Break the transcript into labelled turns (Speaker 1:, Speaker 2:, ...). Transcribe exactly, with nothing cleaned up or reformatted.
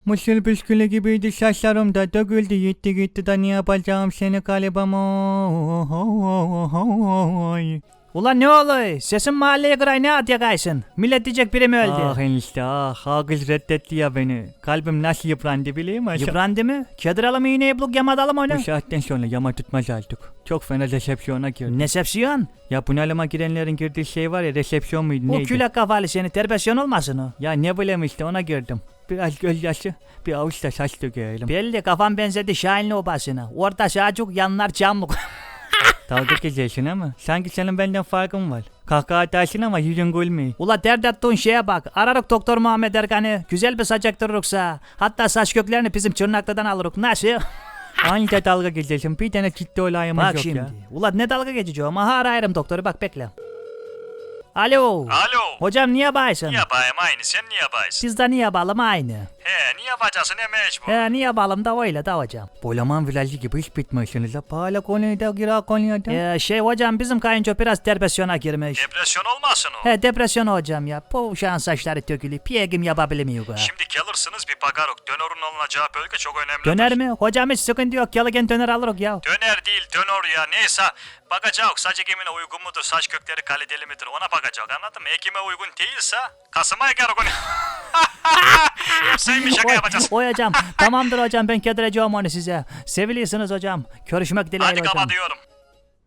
Speaker 1: Mısır püskülü gibiydi saçlarım da döküldü gitti gitti da ne yapacağım seni galiba oy.
Speaker 2: Ulan ne oluyor? Sesin mahalleye kıray ne at yakaysın? Millet diyecek biri mi öldü?
Speaker 1: Ah enişte ah ağız reddetti ya beni. Kalbim nasıl yıprandı biliyor musun?
Speaker 2: Yıprandı mı? Kediralım iğneyi bulup yamadalım onu.
Speaker 1: Bu saatten sonra yama tutmaz artık. Çok fena resepsiyona girdim.
Speaker 2: Nesepsiyon?
Speaker 1: Ya bunalıma girenlerin girdiği şey var ya resepsiyon muydu
Speaker 2: Bu
Speaker 1: neydi?
Speaker 2: külek kafalı seni terbesyon olmasın o.
Speaker 1: Ya ne bileyim işte ona girdim. Biraz gözyaşı bir avuç da saç dökelim.
Speaker 2: Belli kafam benzedi Şahinli obasına. Orta şacuk yanlar camlık.
Speaker 1: Dalga geçiyorsun ama sanki senin benden farkın var. Kahkaha atarsın ama yüzün gülmüyor.
Speaker 2: Ula dert attığın şeye bak. Ararık doktor Muhammed Erkan'ı. Güzel bir saç ektiririksa. Hatta saç köklerini bizim Çırnaklı'dan alırık. Nasıl?
Speaker 1: Anca dalga geçiyorsun. Bir tane ciddi olayımız
Speaker 2: Bak
Speaker 1: yok
Speaker 2: şimdi.
Speaker 1: ya.
Speaker 2: Ula ne dalga geçeceğim. Aha arayırım doktoru bak bekle. Alo.
Speaker 3: Alo.
Speaker 2: Hocam niye baysın?
Speaker 3: Niye bayım aynı sen niye baysın?
Speaker 2: Siz de niye balım aynı?
Speaker 3: He niye bacasın ne mecbur?
Speaker 2: He niye balım da öyle de hocam.
Speaker 1: Bolaman vilajı gibi hiç bitmiyorsunuz da. Pahalı konuyu da gira konuyu da.
Speaker 2: Ee, şey hocam bizim kayınço biraz depresyona girmiş.
Speaker 3: Depresyon olmasın o.
Speaker 2: He depresyon hocam ya. Bu şan saçları tökülü. Piyegim yapabilmiyor ha.
Speaker 3: Şimdi gelirsin bir bakarok. Dönerin alınacağı bölge çok önemli.
Speaker 2: Döner mi? Hocam hiç sıkıntı yok. Gelirken döner alırız ya.
Speaker 3: Döner değil dönor ya neyse. Bakacak saç ekimine uygun mudur, saç kökleri kaliteli midir ona bakacak anladın mı? Ekime uygun değilse Kasım'a eker o gün. Hepsiymiş şaka
Speaker 2: Oy,
Speaker 3: yapacağız.
Speaker 2: oy hocam. Tamamdır hocam ben kedireceğim onu size. Seviliyorsunuz hocam. Görüşmek dileğiyle
Speaker 3: Hadi
Speaker 2: hocam.
Speaker 3: kapatıyorum.